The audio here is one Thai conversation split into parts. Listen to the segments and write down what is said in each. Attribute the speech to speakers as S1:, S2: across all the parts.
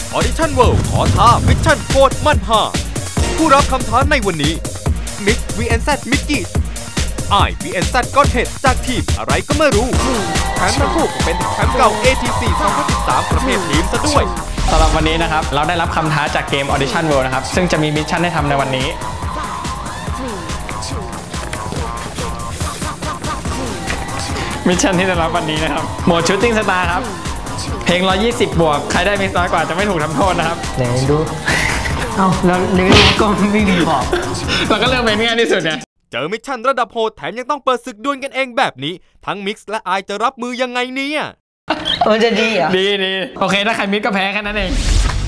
S1: Audition World ขอท้ามิชชั่นโคตรมันห่าผู้รับคำท้าในวันนี้ Mix vs Mickey I vs Godhead จากทีมอะไรก็ไม่รู้แถมทั้งคู่ก็เป็นแชมป์เก่า ATC 2013 ประเภททีมซะด้วย
S2: สำหรับวันนี้นะครับเราได้รับคำท้าจากเกม Audition World นะครับซึ่งจะมีมิชชั่นให้ทำในวันนี้มิชชั่นที่ได้รับวันนี้นะครับโหมด Shooting Star ครับเพลง120บวกใครได้มิสน้อยกว่าจะไม่ถูกทำโทษนะครับ
S3: ไหนดูแล้วเนื้อก็ไม่มีบอก
S2: เราก็เลือกเป็นง่ายที่สุดไง
S1: เจอมิชชั่นระดับโหดแถมยังต้องเปิดศึกดวลกันเองแบบนี้ทั้งมิกซ์และไอจะรับมือยังไงเนี่ย
S3: มันจะดีอ่ะ
S2: ดีโอเคถ้าใครมิกก็แพ้แค่นั้นเอง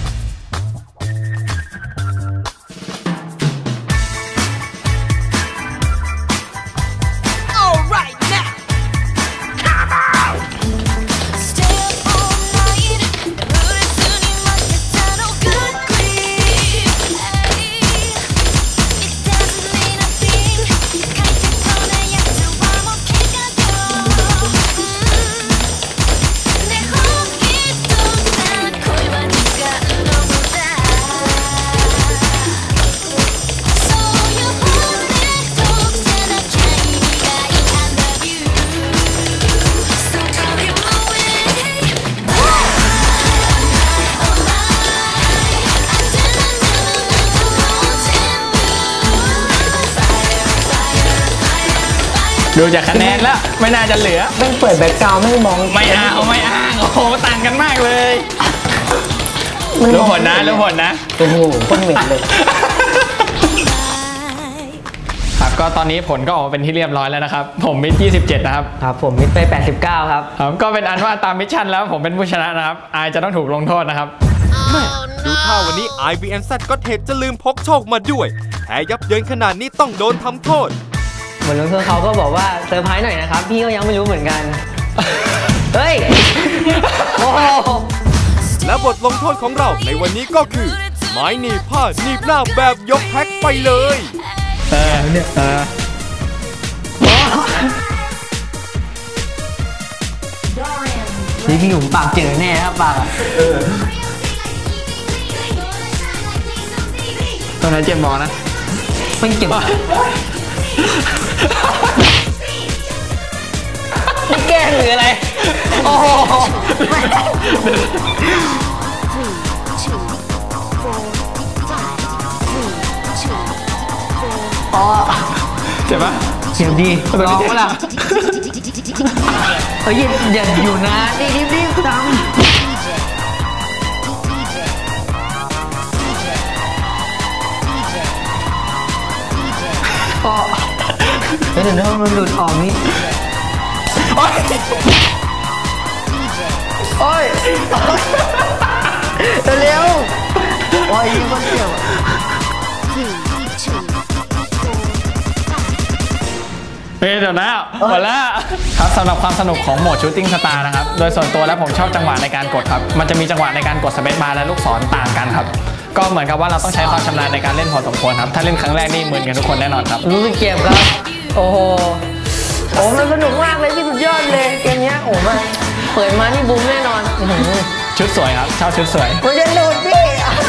S2: ดูจากคะแนนแล้วไม่น่าจะเหลือ
S3: ไม่เปิดแบ็คกราวด์ไม่มอง
S2: ไม่อ้างโอ้โหต่างกันมากเลยรู้ผลนะ
S3: โอ้โหคนเหม็นเลย
S2: ครับก็ตอนนี้ผลก็ออกมาเป็นที่เรียบร้อยแล้วนะครับผมมิด27นะครับ
S3: ครับผมมิดไป89ครับ
S2: ก็เป็นอันว่าตามมิชชั่นแล้วผมเป็นผู้ชนะนะครับไอจะต้องถูกลงโทษนะครับ
S1: ดูท่าวันนี้ IVNZ ก็เทจะลืมพกโชคมาด้วยแพ้ยับเยินขนาดนี้ต้องโดนทำโทษ
S3: เหมือนเพื่อนเขาก็บอกว่าเซอร์ไพรส์หน่อยนะครับพี่ก็ยังไม่รู้เหมือนกันเฮ้ยโอ้
S1: และบทลงโทษของเราในวันนี้ก็คือไม้หนีบผ้าหนีบหน้าแบบยกแพ็คไปเลย
S3: นี่พี่หนุ่มปากเจอแน่ครับปาก
S2: ตอนนั้นเจ็บมอนะ
S3: ไม่เจ็บไม่แกล้งหรืออะไรโอ้โห
S2: เจ็บปะ
S3: เจ็บดีลองวะล่ะอย่าอยู่นะรีบทำเดี๋ยวมันหลุดออกนี่โอ้ยเร็วโอ้ยยิ่งคนเจ็บ
S2: เดี๋ยวนะหมดแล้วครับสำหรับความสนุกของโหมด Shooting Star นะครับโดยส่วนตัวแล้วผมชอบจังหวะในการกดครับมันจะมีจังหวะในการกดสเปซบาร์และลูกศรต่างกันครับก็เหมือนกับว่าเราต้องใช้ความชำนาญในการเล่นพอสมควรครับถ้าเล่นครั้งแรกนี่เหมือนกันทุกคนแน่นอนครับ
S3: รู้สึกเจ็บครับโอ้โหมันสนุกมากเลยพี่สุดยอดเลยเกมนี้โอ้มาเปิดมานี่บูมแน่นอน
S2: ชุดสวยครับชอบชุดสวย
S3: มันจะหลุดพี่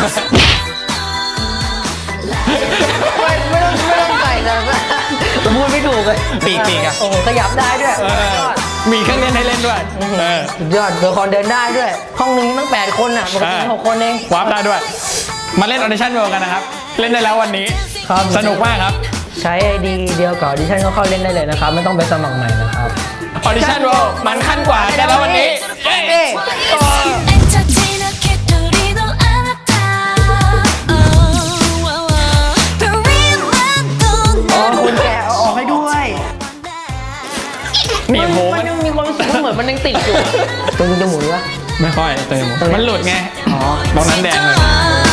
S3: ไม่ต้องใส่เลยพูดไม่ถูกเลย
S2: ปีกอะ
S3: โอ้ขยับได้ด้วย
S2: มีเครื่องเล่นให้เล่นด้วย
S3: สุดยอดตัวคอนเดินได้ด้วยห้องนึงตั้ง8คนอ่ะปกติ6คนเอง
S2: วาร์ปได้ด้วยมาเล่น Audition World กันนะครับเล่นได้แล้ววันนี้สนุกมากครับ
S3: ใช้ ID เดียวกับ Audition ก็เข้าเล่นได้เลยนะครับไม่ต้องไปสมัครใหม่นะครับ
S2: Audition World มันขั้นกว่าได้แล้ววันนี้
S3: คุณแกออกให้ด้วยมันยังมีความรู้สึกเหมือนมันยังติดอยู่ตัวจะหมุนวะ
S2: ไม่ค่อยเติมมันหลุดไงตรงนั้นแดงเลย